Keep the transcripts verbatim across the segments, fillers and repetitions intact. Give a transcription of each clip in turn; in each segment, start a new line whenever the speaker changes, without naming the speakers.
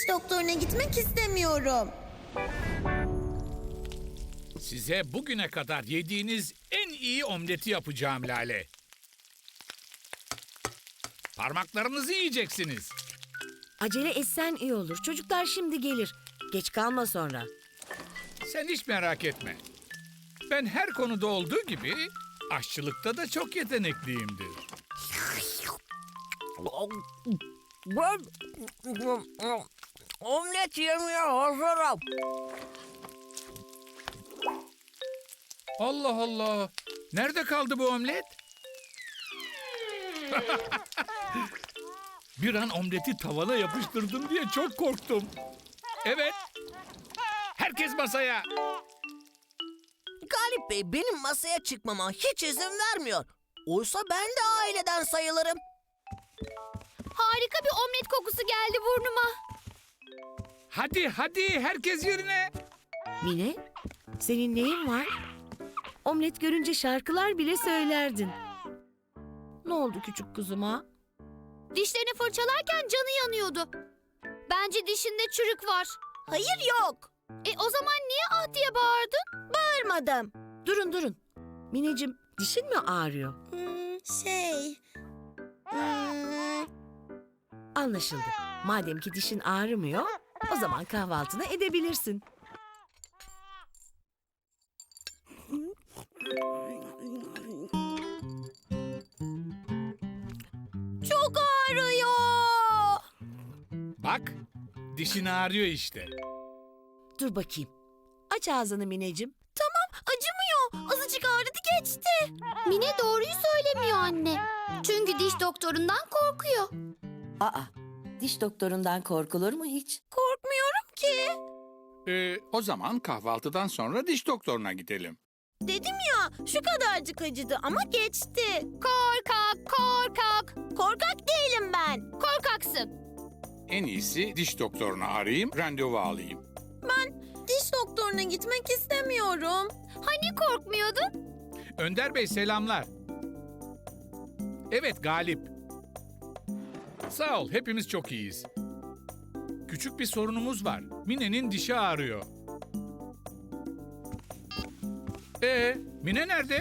Diş doktoruna gitmek istemiyorum.
Size bugüne kadar yediğiniz en iyi omleti yapacağım Lale. Parmaklarınızı yiyeceksiniz.
Acele etsen iyi olur. Çocuklar şimdi gelir. Geç kalma sonra.
Sen hiç merak etme. Ben her konuda olduğu gibi aşçılıkta da çok yetenekliyimdir.
Ben omlet yemeye hazırım.
Allah Allah! Nerede kaldı bu omlet? Bir an omleti tavana yapıştırdım diye çok korktum. Evet. Herkes masaya.
Galip Bey benim masaya çıkmama hiç izin vermiyor. Oysa ben de aileden sayılırım.
Harika bir omlet kokusu geldi burnuma.
Hadi hadi herkes yerine.
Mine, senin neyin var? Omlet görünce şarkılar bile söylerdin. Ne oldu küçük kuzuma?
Dişlerini fırçalarken canı yanıyordu. Bence dişinde çürük var.
Hayır yok.
E o zaman niye ah diye bağırdın?
Bağırmadım.
Durun durun. Mineciğim, dişin mi ağrıyor?
Hmm, şey... Hmm,
Anlaşıldı. Madem ki dişin ağrımıyor, o zaman kahvaltını edebilirsin.
çok ağrıyor.
Bak, dişin ağrıyor işte.
Dur bakayım. Aç ağzını Mineciğim.
Acımıyor. Azıcık ağrıdı geçti.
Mine doğruyu söylemiyor anne. Çünkü diş doktorundan korkuyor.
Aa, diş doktorundan korkulur mu hiç?
Korkmuyorum ki.
Ee, o zaman kahvaltıdan sonra diş doktoruna gidelim.
Dedim ya şu kadarcık acıdı ama geçti.
Korkak, korkak.
Korkak değilim ben.
Korkaksın.
En iyisi diş doktorunu arayayım, randevu alayım.
Diş doktoruna gitmek istemiyorum.
Hani korkmuyordun?
Önder Bey selamlar. Evet Galip. Sağ ol, hepimiz çok iyiyiz. Küçük bir sorunumuz var. Mine'nin dişi ağrıyor. Ee, Mine nerede?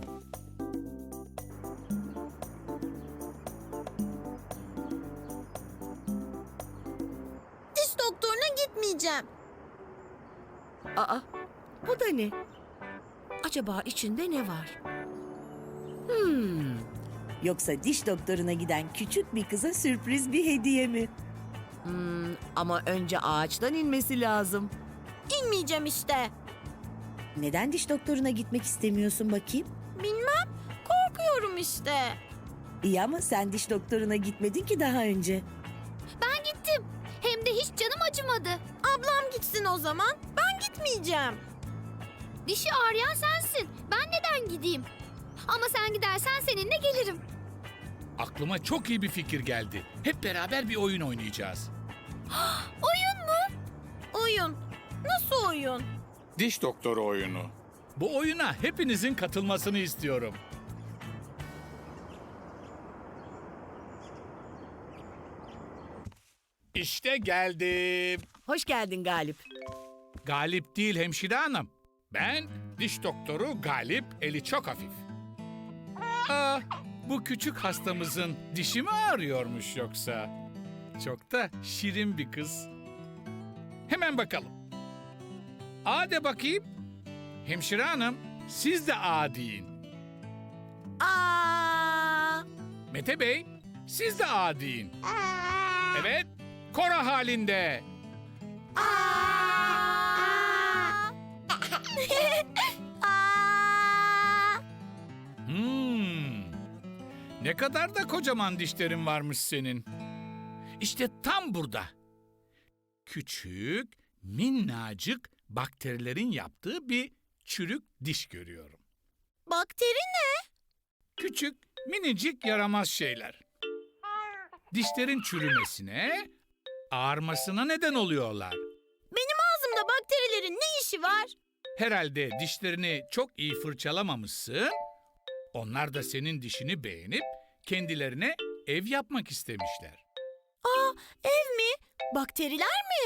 Diş doktoruna gitmeyeceğim.
Aa, bu da ne? Acaba içinde ne var? Hmm. Yoksa diş doktoruna giden küçük bir kıza sürpriz bir hediye mi? Hmm, ama önce ağaçtan inmesi lazım.
İnmeyeceğim işte.
Neden diş doktoruna gitmek istemiyorsun bakayım?
Bilmem. Korkuyorum işte.
İyi ama sen diş doktoruna gitmedin ki daha önce.
Ben gittim. Hem de hiç canım acımadı.
Ablam gitsin o zaman. Ben gitmeyeceğim.
Dişi ağrıyan sensin. Ben neden gideyim? Ama sen gidersen seninle gelirim.
Aklıma çok iyi bir fikir geldi. Hep beraber bir oyun oynayacağız.
Oyun mu?
Oyun. Nasıl oyun?
Diş doktoru oyunu.
Bu oyuna hepinizin katılmasını istiyorum. İşte geldim.
Hoş geldin Galip.
Galip değil hemşire hanım. Ben diş doktoru Galip, eli çok hafif. Aa, bu küçük hastamızın dişi mi ağrıyormuş yoksa? Çok da şirin bir kız. Hemen bakalım. A de bakayım. Hemşire hanım, siz de A deyin.
Aa!
Mete Bey, siz de A deyin. Evet, koro halinde.
Aa! Aa!
Hmm. Ne kadar da kocaman dişlerin varmış senin. İşte tam burada. Küçük, minnacık bakterilerin yaptığı bir çürük diş görüyorum.
Bakteri ne?
Küçük, minicik yaramaz şeyler. Dişlerin çürümesine, ağarmasına neden oluyorlar.
Benim ağzımda bakterilerin ne işi var?
Herhalde dişlerini çok iyi fırçalamamışsın. Onlar da senin dişini beğenip kendilerine ev yapmak istemişler.
Aa, ev mi? Bakteriler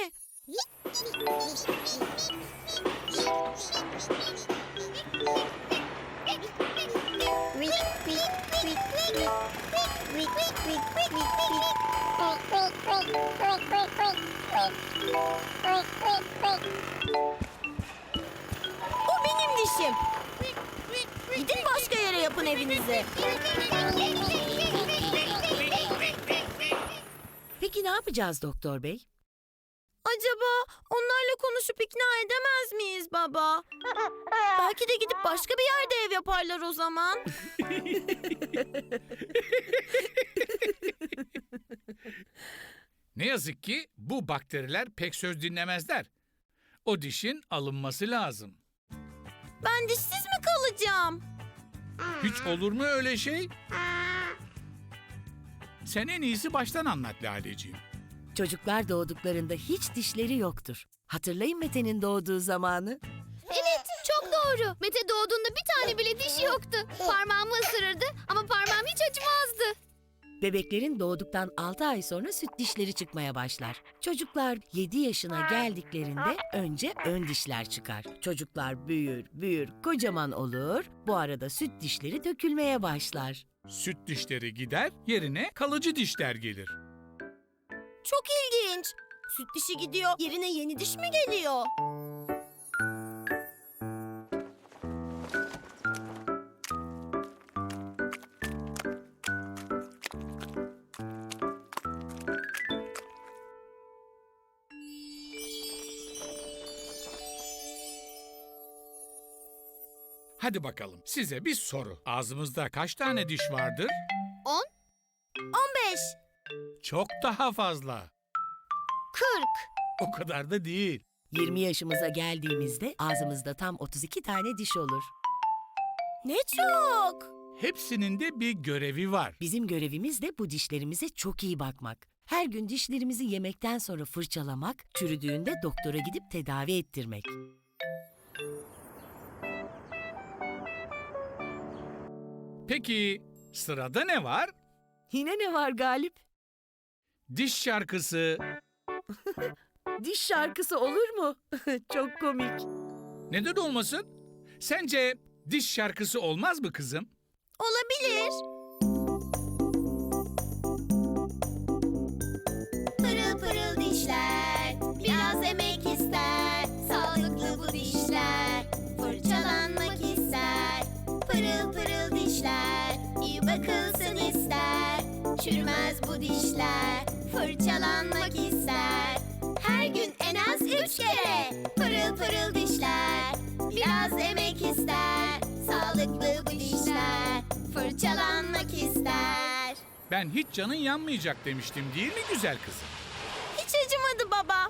O benim dişim. Gidin başka yere yapın evinizi.
Peki ne yapacağız doktor bey?
Acaba onlarla konuşup ikna edemez miyiz baba? Belki de gidip başka bir yerde ev yaparlar o zaman.
Ne yazık ki bu bakteriler pek söz dinlemezler. O dişin alınması lazım.
Ben dişsiz mi kalacağım?
Hiç olur mu öyle şey? Sen en iyisi baştan anlat Laleciğim.
Çocuklar doğduklarında hiç dişleri yoktur. Hatırlayın Mete'nin doğduğu zamanı.
Evet, çok doğru. Mete doğduğunda bir tane bile dişi yoktu. Parmağımı ısırırdı ama parmağım hiç acımazdı.
Bebeklerin doğduktan altı ay sonra süt dişleri çıkmaya başlar. Çocuklar yedi yaşına geldiklerinde önce ön dişler çıkar. Çocuklar büyür, büyür, kocaman olur. Bu arada süt dişleri dökülmeye başlar.
Süt dişleri gider, yerine kalıcı dişler gelir.
Çok ilginç. Süt dişi gidiyor, yerine yeni diş mi geliyor?
Hadi bakalım, size bir soru. Ağzımızda kaç tane diş vardır?
On,
on beş.
Çok daha fazla.
kırk.
O kadar da değil.
yirmi yaşımıza geldiğimizde ağzımızda tam otuz iki tane diş olur.
Ne çok.
Hepsinin de bir görevi var.
Bizim görevimiz de bu dişlerimize çok iyi bakmak. Her gün dişlerimizi yemekten sonra fırçalamak, çürüdüğünde doktora gidip tedavi ettirmek.
Peki sırada ne var?
Yine ne var Galip?
Diş şarkısı.
Diş şarkısı olur mu? Çok komik.
Neden olmasın? Sence diş şarkısı olmaz mı kızım?
Olabilir. Pırıl pırıl dişler, biraz emek ister. Sağlıklı bu dişler, fırçalanmak ister. Pırıl pırıl dişler, iyi bakılsın ister. Çürümez bu dişler, fırçalanmak ister. Her gün en az üç kere. Pırıl pırıl dişler, biraz emek ister. Sağlıklı bu dişler, fırçalanmak ister.
Ben hiç canın yanmayacak demiştim değil mi güzel kızım?
Hiç acımadı baba.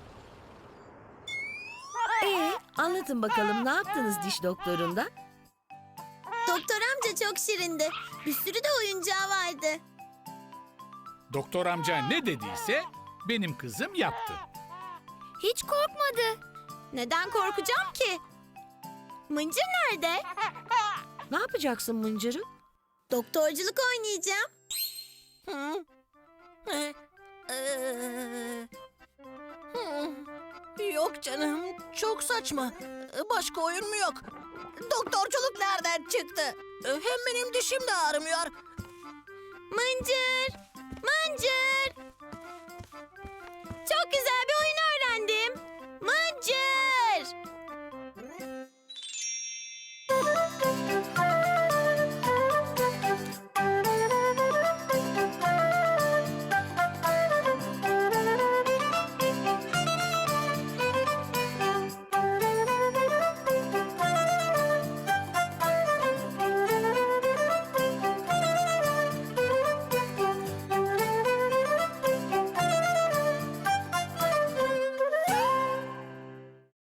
Ee, anlatın bakalım ne yaptınız diş doktorunda?
Doktor amca çok şirindi. Bir sürü de oyuncağı vardı.
Doktor amca ne dediyse benim kızım yaptı.
Hiç korkmadı.
Neden korkacağım ki? Mıncır nerede?
Ne yapacaksın Mıncır'ı?
Doktorculuk oynayacağım.
Hı? Ee, ee, hı. Yok canım, çok saçma. Başka oyun mu yok? Doktorculuk nereden çıktı? Hem benim dişim de ağrımıyor.
Mıncır! Mıncır! Çok güzel bir oyun